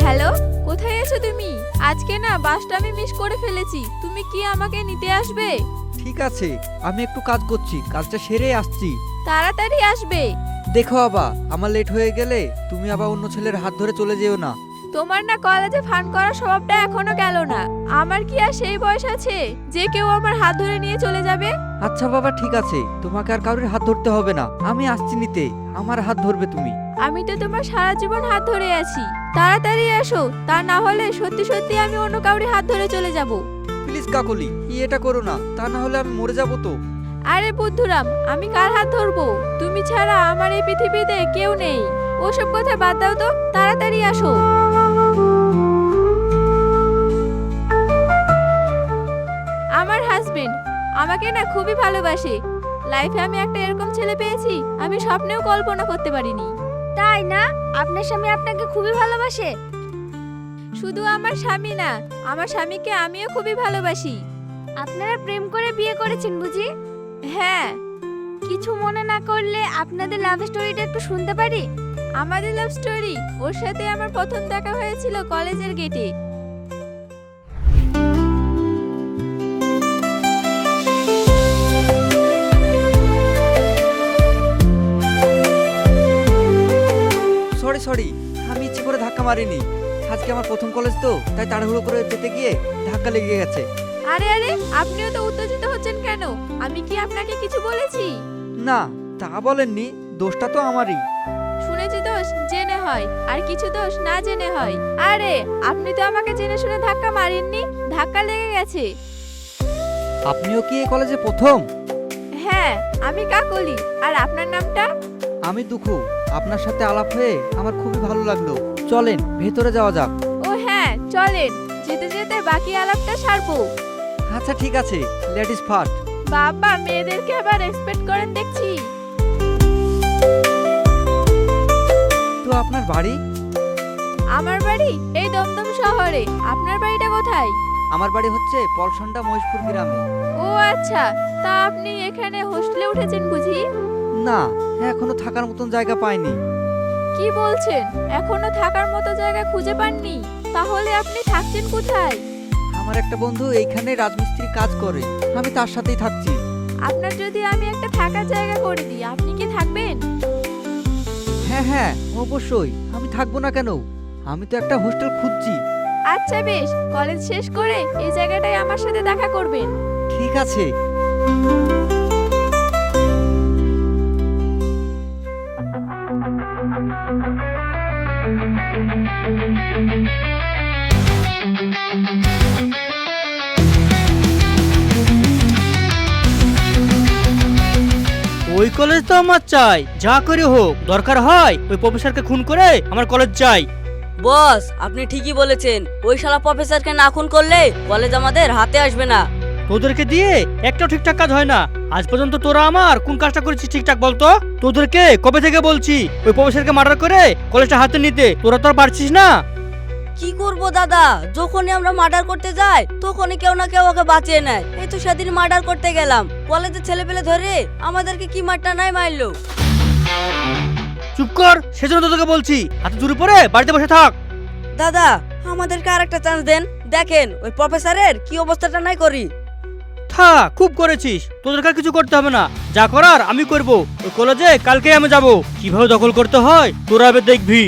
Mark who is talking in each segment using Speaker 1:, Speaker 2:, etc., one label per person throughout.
Speaker 1: Hello, কোথায় আছো তুমি? আজকে না বাসটা আমি মিস করে ফেলেছি। তুমি কি আমাকে নিতে আসবে?
Speaker 2: ঠিক আছে, আমি একটু কাজ করছি, কাজটা সেরে আসছি।
Speaker 1: তাড়াতাড়ি আসবে।
Speaker 2: দেখো বাবা, আমার লেট হয়ে গেলে তুমি আবার অন্য ছেলের হাত ধরে চলে যেও না।
Speaker 1: তোমার না কলেজে ফান করার স্বভাবটা এখনো গেল না। আমার কি আর সেই বয়স আছে যে কেউ আমার হাত ধরে নিয়ে চলে যাবে?
Speaker 2: আচ্ছা বাবা, ঠিক আছে, তোমাকে আর কারোর হাত ধরতে হবে না, আমি আসছি নিতে। আমার হাত ধরবে তুমি।
Speaker 1: আমি তো তোমার সারা জীবন হাত ধরে আছি। তাড়াতাড়ি এসো, তা না হলে সত্যি সত্যি আমি অন্য কাউরি হাত ধরে চলে যাব।
Speaker 2: প্লিজ কাকলি, এটা করো না, তা না হলে আমি মরে যাবো তো।
Speaker 1: আরে বুদ্ধুরাম, আমি কার হাত ধরবো? তুমি ছাড়া আমার এই পৃথিবীতে কেউ নেই। ওসব কথা বাদ দাও তো, তাড়াতাড়ি আসো। আমার হাজবেন্ড আমাকে না খুবই ভালোবাসে। লাইফে আমি একটা এরকম ছেলে পেয়েছি আমি স্বপ্নেও কল্পনা করতে পারিনি।
Speaker 3: তাই না? আপনার স্বামী আপনাকে খুবই ভালোবাসে?
Speaker 1: শুধু আমার স্বামী না, আমার স্বামীকে আমিও খুবই ভালোবাসি।
Speaker 3: আপনারা প্রেম করে বিয়ে করেছেন বুঝি?
Speaker 1: হ্যাঁ।
Speaker 3: কিছু মনে না করলে আপনাদের লাভ স্টোরিটা একটু শুনতে পারি?
Speaker 1: আমাদের লাভ স্টোরি, ওর সাথে আমার প্রথম দেখা হয়েছিল কলেজের গেটে।
Speaker 2: সরি সরি, আমি ইচ্ছে করে ধাক্কা মারিনি। আজকে আমার প্রথম কলেজ তো, তাই তাড়াহুড়ো করে যেতে গিয়ে ধাক্কা লেগে গেছে।
Speaker 1: আরে আরে, আপনিও তো উত্তেজিত হচ্ছেন কেন? আমি কি আপনাকে কিছু বলেছি?
Speaker 2: না, তা বলেননি, দোষটা তো আমারই।
Speaker 1: শুনেছি দোষ জেনে হয়, আর কিছু দোষ না জেনে হয়। আরে আপনি তো আমাকে জেনে শুনে ধাক্কা মারেননি, ধাক্কা লেগে গেছে।
Speaker 2: আপনিও কি এই কলেজে প্রথম?
Speaker 1: হ্যাঁ, আমি কাকলি। আর আপনার নামটা?
Speaker 2: আমি দুঃখু। আপনার সাথে আলাপ হয়ে আমার খুবই ভালো লাগলো। চলেন ভেতরে যাওয়া যাক।
Speaker 1: ও হ্যাঁ, চলেন। যেতে যেতে বাকি আলাপটা সারবো।
Speaker 2: আচ্ছা ঠিক আছে, লেডিস ফার্স্ট।
Speaker 1: বাবা, মেয়েদেরকে আবার এক্সপেক্ট করেন দেখছি।
Speaker 2: তো আপনার বাড়ি?
Speaker 1: আমার বাড়ি এই দমদম শহরে। আপনার বাড়িটা কোথায়?
Speaker 2: আমার বাড়ি হচ্ছে পলসন্ডা মহেশপুর গ্রামে।
Speaker 1: ও আচ্ছা, তা আপনি এখানে হোস্টেলে উঠেছেন বুঝি?
Speaker 2: না, এখনো থাকার মতন জায়গা পাইনি।
Speaker 1: কি বলছেন? এখনো থাকার মতো জায়গা খুঁজে পাননি? তাহলে আপনি থাকছেন কোথায়?
Speaker 2: আমার একটা বন্ধু এইখানে রাজমিস্ত্রি কাজ করে, আমি তার সাথেই থাকছি।
Speaker 1: আপনার যদি আমি একটা থাকার জায়গা করে দিই, আপনি কি থাকবেন?
Speaker 2: হ্যাঁ হ্যাঁ, অবশ্যই, আমি থাকবো না কেন? আমি তো একটা হোস্টেল খুঁজছি।
Speaker 1: আচ্ছা বেশ, কলেজ শেষ করে এই জায়গাটায় আমার সাথে দেখা করবেন।
Speaker 2: ঠিক আছে।
Speaker 4: ওই কলেজ তো আমার চাই, যা করে হোক। দরকার হয় ওই প্রফেসরকে খুন করে আমার কলেজ চাই।
Speaker 5: বস, আপনি ঠিকই বলেছেন। ওই শালা প্রফেসরকে না খুন করলে কলেজ আমাদের হাতে আসবে না।
Speaker 4: তোদেরকে দিয়ে একটাও ঠিকঠাক কাজ হয় না। আজ পর্যন্ত তোরা আমার কোন কাজটা করেছিস ঠিকঠাক বলতো? তোদেরকে কবে থেকে বলছি ওই প্রফেসরকে মার্ডার করে কলেজটা হাতে নিতে, তোরা তো আর পারছিস না।
Speaker 5: কি করব দাদা, যখনই আমরা মার্ডার করতে যাই তখনই কেউ না কেউ ওকে বাঁচিয়ে নেয়। এই তো সেদিন মার্ডার করতে গেলাম, কলেজের ছেলে পেলে ধরে আমাদেরকে কি মারটা নাই মারলো।
Speaker 4: চুপ কর, সেজন্য তোদেরকে বলছি হাতে জুড়ে পড়ে বাড়িতে বসে থাক।
Speaker 5: দাদা, আমাদেরকে আর একটা চান্স দেন। দেখেন ওই প্রফেসরের কি অবস্থাটা নাই করি।
Speaker 4: থাক, খুব করেছিস, তোদেরকে আর কিছু করতে হবে না। যা করার আমি করব। ওই কলেজে কালকে আমি যাব, কিভাবে দখল করতে হয় তোরা এবার দেখবি।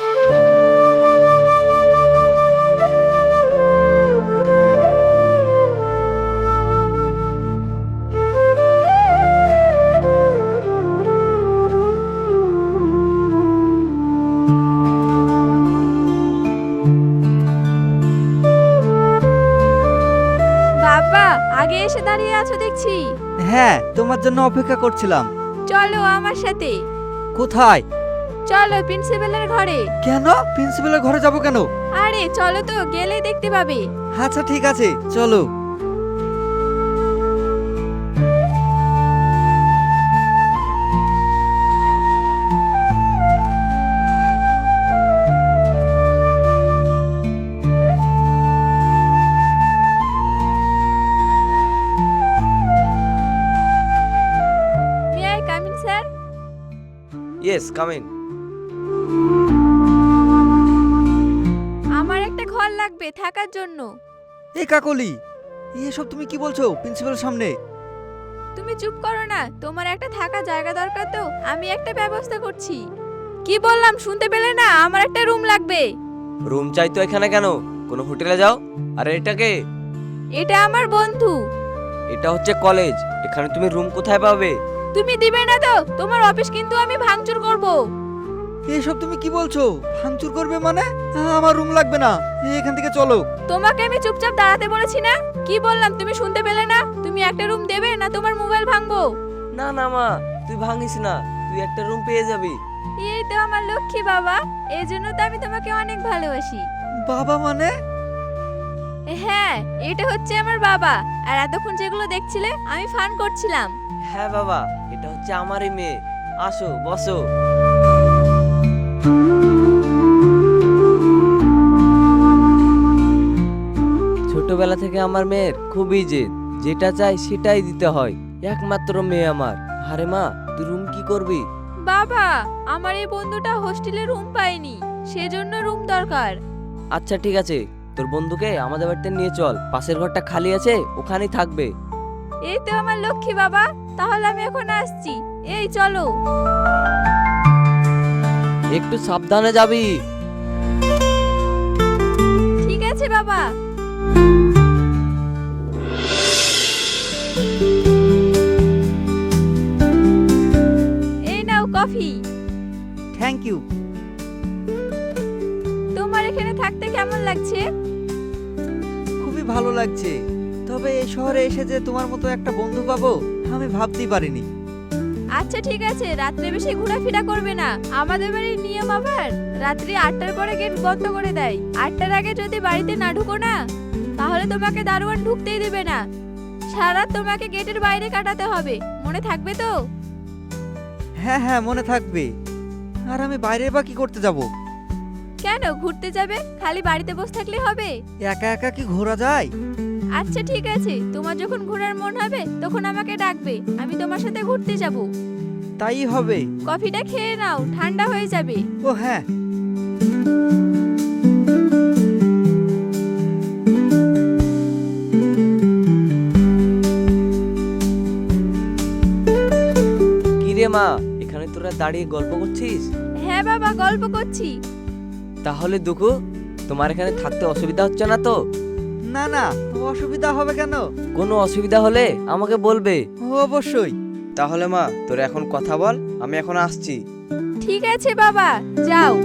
Speaker 1: বাবা, আগে এসে দাঁড়িয়ে আছো দেখছি।
Speaker 2: হ্যাঁ, তোমার জন্য অপেক্ষা করছিলাম।
Speaker 1: চলো আমার সাথে।
Speaker 2: কোথায়?
Speaker 1: চলো প্রিন্সিপালের ঘরে।
Speaker 2: কেন? প্রিন্সিপালের ঘরে যাব কেন?
Speaker 1: আরে চলো তো, গেলেই দেখতে পাবে।
Speaker 2: আচ্ছা ঠিক আছে, চলো।
Speaker 1: May I come in sir?
Speaker 6: Yes, come in.
Speaker 1: লাগবে থাকার জন্য।
Speaker 2: এই কাকলি, এসব তুমি কি বলছো প্রিন্সিপালের সামনে?
Speaker 1: তুমি চুপ করো না, তোমার একটা থাকা জায়গা দরকার তো, আমি একটা ব্যবস্থা করছি। কি বললাম শুনতে পেলে না? আমার একটা রুম লাগবে।
Speaker 6: রুম চাই তো এখানে কেন? কোনো হোটেলে যাও। আর এটাকে?
Speaker 1: এটা আমার বন্ধু।
Speaker 6: এটা হচ্ছে কলেজ, এখানে তুমি রুম কোথায় পাবে?
Speaker 1: তুমি দিবে না তো? তোমার অফিস কিন্তু আমি ভাঙচুর করব।
Speaker 2: এসব তুমি কি বলছো? ভাঙচুর করবে মানে? আমার রুম লাগবে না, এখান থেকে চলো।
Speaker 1: তোমাকে আমি চুপচাপ দাঁড়াতে বলেছি না? কি বললাম তুমি শুনতে পেলে না? তুমি একটা রুম দেবে না তোমার মোবাইল ভাঙবো?
Speaker 6: না না মা, তুই ভাঙিস না, তুই একটা রুম পেয়ে যাবি।
Speaker 1: এই তো আমার লক্ষ্মী বাবা, এই জন্য তো আমি তোমাকে অনেক ভালোবাসি।
Speaker 2: বাবা মানে?
Speaker 1: হ্যাঁ, এটা হচ্ছে আমার বাবা। আর এতক্ষণ যেগুলো দেখছিলে আমি ফান করছিলাম।
Speaker 6: হ্যাঁ বাবা, এটা হচ্ছে আমারই মেয়ে। আসো বসো। ছোটবেলা থেকে আমার মেয়ের খুবই জেদ, যেটা চাই সেটাই দিতে হয়। একমাত্র মেয়ে আমার। আরে মা, তুই রুম কি করবি?
Speaker 1: বাবা, আমার এই বন্ধুটা হোস্টেলে রুম পায়নি, সেজন্য রুম দরকার।
Speaker 6: আচ্ছা ঠিক আছে, তোর বন্ধুকে আমাদের বাড়িতে নিয়ে চল, পাশের ঘরটা খালি আছে, ওখানেই থাকবে।
Speaker 1: এই তো আমার লক্ষ্মী বাবা, তাহলে আমি এখন আসছি। এই চলো।
Speaker 6: একটু সাবধানে যাবি।
Speaker 1: ঠিক আছে বাবা। এই নাও কফি।
Speaker 2: Thank you.
Speaker 1: তোমার এখানে থাকতে কেমন লাগছে?
Speaker 2: খুবই ভালো লাগছে, তবে এই শহরে এসে যে তোমার মতো একটা বন্ধু পাবো আমি ভাবতেই পারিনি।
Speaker 1: আচ্ছা ঠিক আছে, রাত্রে বেশি ঘোরাফেরা করবে না। আমাদের বাড়ির নিয়ম আবার রাত্রি 8টার পরে গেট বন্ধ করে দেয়। 8টার আগে যদি বাড়িতে না ঢুকো না, তাহলে তোমাকে দারোয়ান ঢুকতেই দেবে না। সারা রাত তোমাকে গেটের বাইরে কাটাতে হবে, মনে থাকবে তো?
Speaker 2: হ্যাঁ হ্যাঁ, মনে থাকবে। আর আমি বাইরে বা কি করতে যাব?
Speaker 1: কেন ঘুরতে যাবে? খালি বাড়িতে বসে থাকলে হবে?
Speaker 2: একা একা কি ঘোরা যায়?
Speaker 1: আচ্ছা ঠিক আছে, তোমার যখন ঘোরার মন হবে তখন আমাকে ডাকবে, আমি তোমার সাথে ঘুরতে যাব।
Speaker 2: তাই হবে।
Speaker 1: কফিটা খেয়ে নাও, ঠান্ডা হয়ে যাবে।
Speaker 2: ও হ্যাঁ।
Speaker 6: কি রে মা, এখানে তোরা দাঁড়িয়ে গল্প করছিস?
Speaker 1: হ্যাঁ বাবা, গল্প করছি।
Speaker 6: তাহলে দুঃখু, তোমার এখানে থাকতে অসুবিধা হচ্ছে না তো?
Speaker 2: না না, অসুবিধা হবে কেন?
Speaker 6: কোনো অসুবিধা হলে আমাকে বলবে।
Speaker 2: অবশ্যই।
Speaker 6: তাহলে মা, তোরা এখন কথা বল, আমি এখন আসছি।
Speaker 1: ঠিক আছে বাবা, যাও।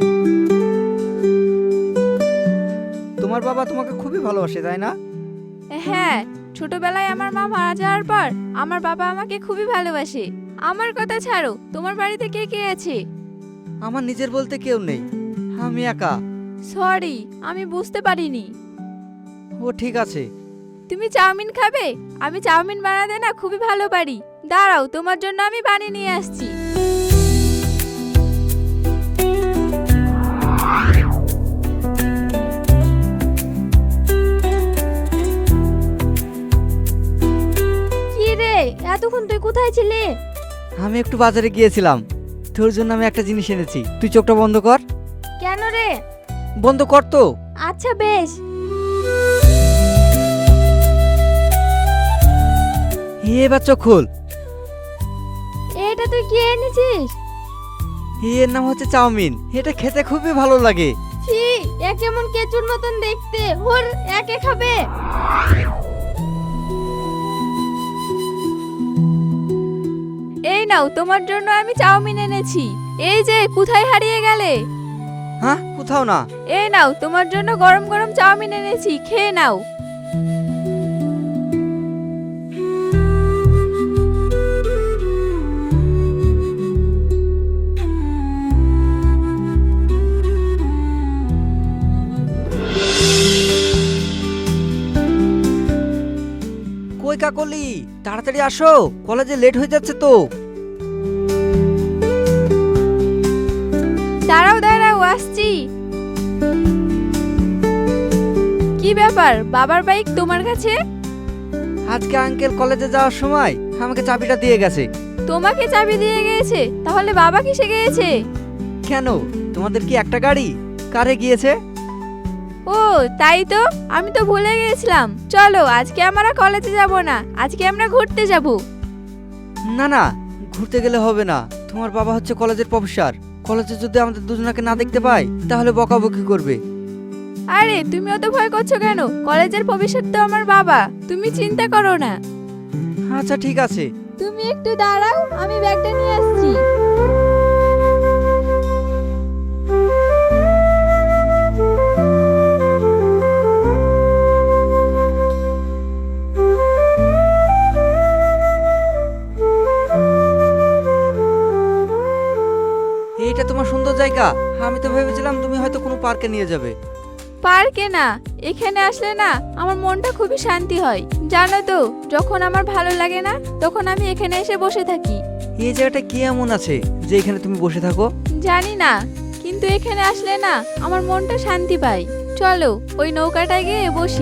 Speaker 2: তোমার বাবা তোমাকে খুবই ভালোবাসে, তাই না?
Speaker 1: হ্যাঁ, ছোটবেলায় আমার মা মারা যাওয়ার পর আমার বাবা আমাকে খুবই ভালোবাসে। আমার কথা ছাড়ো, তোমার বাড়িতে কে কে আছে?
Speaker 2: আমার নিজের বলতে কেউ নেই, আমি একা।
Speaker 1: সরি, আমি বুঝতে পারিনি।
Speaker 2: ও ঠিক আছে।
Speaker 1: তুমি চাউমিন খাবে? আমি চাউমিন বানাতে না খুবই ভালো পারি। দাঁড়াও, তোমার জন্য আমি বানিয়ে নিয়ে আসছি।
Speaker 3: কি রে, এতক্ষণ তুই কোথায় ছিলি?
Speaker 2: আমি একটু বাজারে গিয়েছিলাম, তোর জন্য আমি একটা জিনিস এনেছি। তুই চোখটা বন্ধ কর।
Speaker 3: কেন রে?
Speaker 2: বন্ধ কর তো।
Speaker 3: আচ্ছা বেশ।
Speaker 2: এবার চোখ খোল।
Speaker 3: এটা তুই কি এনেছিস?
Speaker 2: এর নাম হচ্ছে চাউমিন। এটা খেতে খুবই ভালো লাগে।
Speaker 3: ছি, এ কেমন কেচুর মতন দেখতে। ওর একে খাবে?
Speaker 1: এই নাও, তোমার জন্য আমি চাউমিন এনেছি। এই যে, কোথায় হারিয়ে গেলে?
Speaker 2: হ্যাঁ, কোথাও না।
Speaker 1: এই নাও, তোমার জন্য গরম গরম চাউমিন এনেছি, খেয়ে নাও।
Speaker 2: কই কাকলি, তাড়াতাড়ি আসো, কলেজে লেট হয়ে যাচ্ছে তো।
Speaker 1: দাঁড়াও দাঁড়াও, আসছি। কি ব্যাপার, বাবার বাইক তোমার কাছে?
Speaker 2: আজকে আঙ্কেল কলেজে যাওয়ার সময় আমাকে চাবিটা দিয়ে গেছে।
Speaker 1: তোমাকে চাবি দিয়ে গিয়েছে? তাহলে বাবা কিসে গিয়েছে?
Speaker 2: কেন, তোমাদের কি একটা গাড়ি? কারে গিয়েছে?
Speaker 1: ও ও তাই তো, আমি তো ভুলে গেছিলাম। চলো আজকে আমরা কলেজে যাব না, আজকে আমরা ঘুরতে যাব।
Speaker 2: না না, ঘুরতে গেলে হবে না। তোমার বাবা হচ্ছে কলেজের প্রফেসর। কলেজে যদি আমাদের দুজনকে না দেখতে পাই তাহলে বকাবকি করবে।
Speaker 1: আরে তুমি অত ভয় করছো কেন? কলেজের ভবিষ্যৎ তো আমার বাবা, তুমি চিন্তা করো না।
Speaker 2: আচ্ছা ঠিক আছে।
Speaker 1: তুমি একটু দাঁড়াও, আমি ব্যাগটা নিয়ে আসছি।
Speaker 2: এইটা তোমার সুন্দর জায়গা। আমি তো ভেবেছিলাম তুমি হয়তো কোনো পার্কে নিয়ে যাবে।
Speaker 1: পার্কে না, এখানে আসলে না আমার মনটা খুবই শান্তি হয়। জানো তো, যখন আমার ভালো লাগে না তখন আমি এখানে এসে বসে থাকি।
Speaker 2: এই জায়গাটা কি এমন আছে যে এখানে তুমি বসে থাকো?
Speaker 1: জানি না, কিন্তু এখানে আসলে না আমার মনটা শান্তি পায়। চলো ওই নৌকাটায় গিয়ে বসি।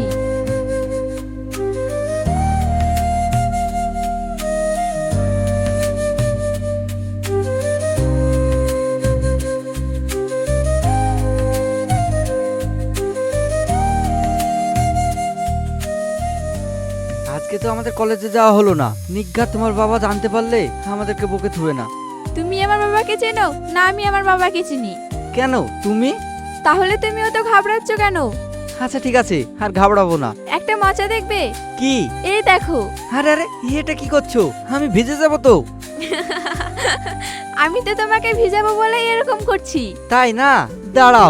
Speaker 2: আজকে তো আমাদের কলেজে যাওয়া হলো না। নিজ্ঞাত তোমার বাবা জানতে পারলে আমাদেরকে বকে থুবে না।
Speaker 1: তুমি আমার বাবাকে চেনো না? আমি আমার বাবাকে চিনি।
Speaker 2: কেন তুমি?
Speaker 1: তাহলে তুমি অত ঘাবড়াচ্ছ কেন?
Speaker 2: আচ্ছা ঠিক আছে, আর ঘাবড়াবো না।
Speaker 1: একটা মজা দেখবে?
Speaker 2: কি?
Speaker 1: এই দেখো।
Speaker 2: আরে আরে, এটা কি করছো? আমি ভিজে যাবো তো।
Speaker 1: আমি তো তোমাকে ভিজাবো বলে এরকম করছি।
Speaker 2: তাই না? দাঁড়াও।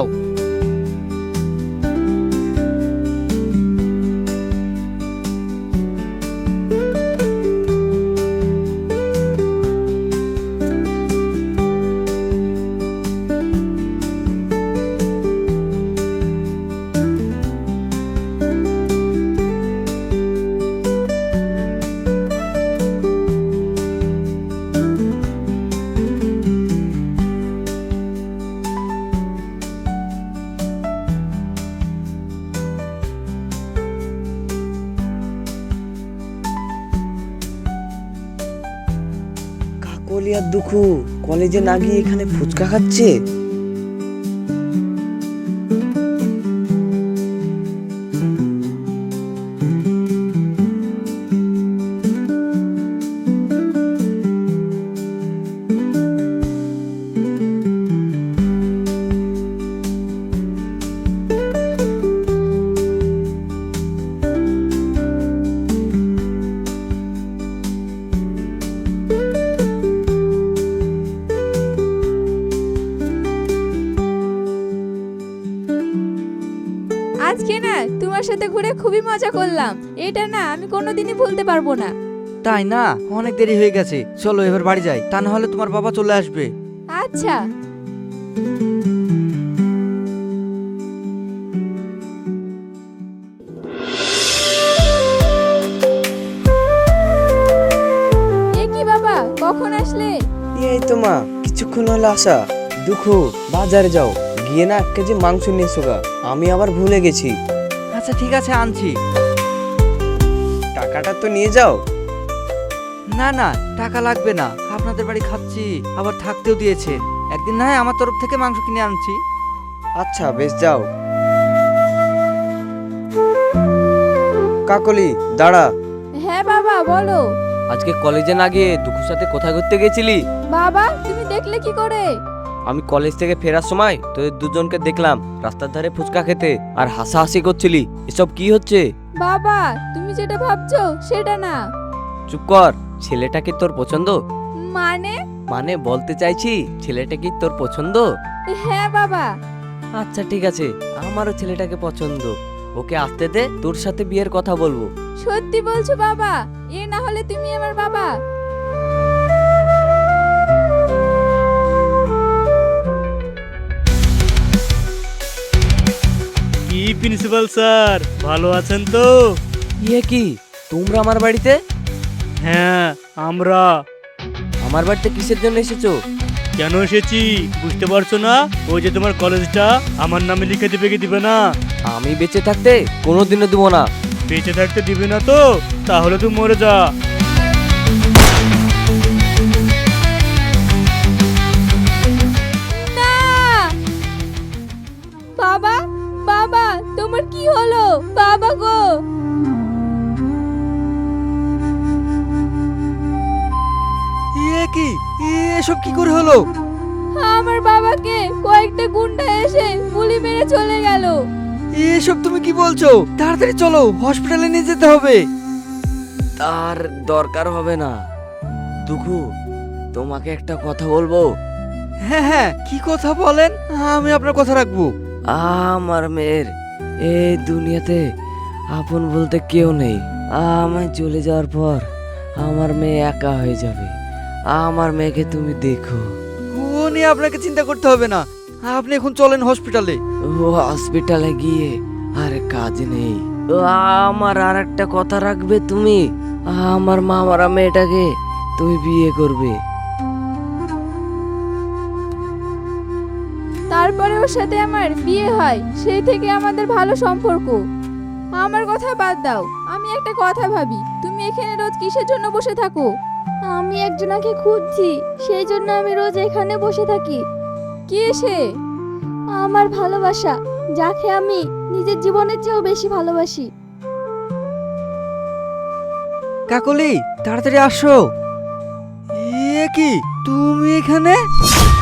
Speaker 6: কাকলি আর দুঃখু কলেজে না গিয়ে এখানে ফুচকা খাচ্ছে।
Speaker 1: আজকে না তোমার সাথে ঘুরে খুবই মজা করলাম। এটা না আমি কোনোদিনই ভুলতে পারবো না।
Speaker 2: তাই না? অনেক দেরি হয়ে গেছে, চলো এবার বাড়ি যাই, তা না হলে তোমার বাবা চলে আসবে।
Speaker 1: আচ্ছা। এ কি বাবা, কখন আসলে?
Speaker 6: এই তো মা, কিছুক্ষণ হলো আসা। দুঃখু, বাজারে যাও, গিয়ে না 1 কেজি মাংস নিয়ে এসো গা। আমি আবার ভুলে গেছি।
Speaker 2: আচ্ছা ঠিক আছে, আনছি।
Speaker 6: টাকাটা তো নিয়ে যাও।
Speaker 2: না না, টাকা লাগবে না। আপনাদের বাড়ি খাচ্ছি, আবার থাকতেও দিয়েছেন। একদিন না হয় আমার তরফ থেকে মাংস কিনে আনছি।
Speaker 6: আচ্ছা বেশ, যাও। কাকলি দাঁড়া।
Speaker 1: হ্যাঁ বাবা বলো।
Speaker 6: আজকে কলেজে না গিয়ে দুঃখুর সাথে কোথায় ঘুরতে গেছিলি?
Speaker 1: বাবা তুমি দেখলে কি করে?
Speaker 6: আমি কলেজ থেকে ফেরার সময় তোদের দুজনকে দেখলাম রাস্তার ধারে ফুচকা খেতে আর হাসাহাসি করছিলি। এসব কি হচ্ছে?
Speaker 1: বাবা তুমি যেটা ভাবছো সেটা না।
Speaker 6: চুপ কর। ছেলেটা কি তোর পছন্দ?
Speaker 1: মানে?
Speaker 6: মানে বলতে চাইছি, ছেলেটা কি তোর পছন্দ?
Speaker 1: হ্যাঁ বাবা।
Speaker 6: আচ্ছা ঠিক আছে, আমারও ছেলেটাকে পছন্দ। ওকে আসতে দে, তোর সাথে বিয়ের কথা বলবো।
Speaker 1: সত্যি বলছো বাবা? এ না হলে তুমি আমার বাবা।
Speaker 4: কি প্রিন্সিপাল স্যার, ভালো আছেন তো?
Speaker 6: ইয়ে কি, তোমরা আমার বাড়িতে?
Speaker 4: হ্যাঁ আমরা।
Speaker 6: আমার বাড়িতে কিসের জন্য এসেছো?
Speaker 4: কেন এসেছি বুঝতে পারছো না? ওই যে তোমার কলেজটা আমার নামে লিখে দিবে কি দিবে না?
Speaker 6: আমি বেঁচে থাকতে কোনোদিনও দিব না।
Speaker 4: বেঁচে থাকতে দিবে না তো? তাহলে তুই মরে যা।
Speaker 1: না বাবা, বাবা তোমার কি হলো বাবা গো?
Speaker 2: কি এসব কি করে হলো?
Speaker 1: আমার বাবাকে কয়েকটা গুন্ডা এসে গুলি মেরে চলে গেল।
Speaker 2: এসব তুমি কি বলছো? তাড়াতাড়ি চলো, হসপিটালে নিয়ে যেতে হবে।
Speaker 6: তার দরকার হবে না। দুঃখু, তোমাকে একটা কথা বলবো।
Speaker 2: হ্যাঁ হ্যাঁ, কি কথা বলেন, আমি আপনার কথা রাখবো।
Speaker 6: আমার মেয়ের এই দুনিয়াতে আপন বলতে কেউ নেই। আমি চলে যাওয়ার পর আমার মেয়ে একা হয়ে যাবে। আমার মেয়েকে তুমি দেখো।
Speaker 2: ও নিয়ে আপনাকে চিন্তা করতে হবে না, আপনি এখন চলেন হসপিটালে।
Speaker 6: ও হসপিটালে গিয়ে আর কাজ নেই। ও আমার আর একটা কথা রাখবে তুমি, আমার মামারা মেয়েটাকে তুমি বিয়ে করবে।
Speaker 1: তারপরে ওর সাথে আমার বিয়ে হয়, সেই থেকে আমাদের ভালো সম্পর্ক। আমার কথা বাদ দাও, আমি একটা কথা ভাবি, তুমি এখানে রোজ কিসের জন্য বসে থাকো?
Speaker 3: আমি একজনকে খুঁজছি, সেই জন্য আমি রোজ এখানে বসে থাকি।
Speaker 1: কে সে?
Speaker 3: আমার ভালোবাসা, যাকে আমি নিজের জীবনের চেয়েও বেশি ভালোবাসি।
Speaker 2: কাকলি, তাড়াতাড়ি আসো। কি তুমি এখানে?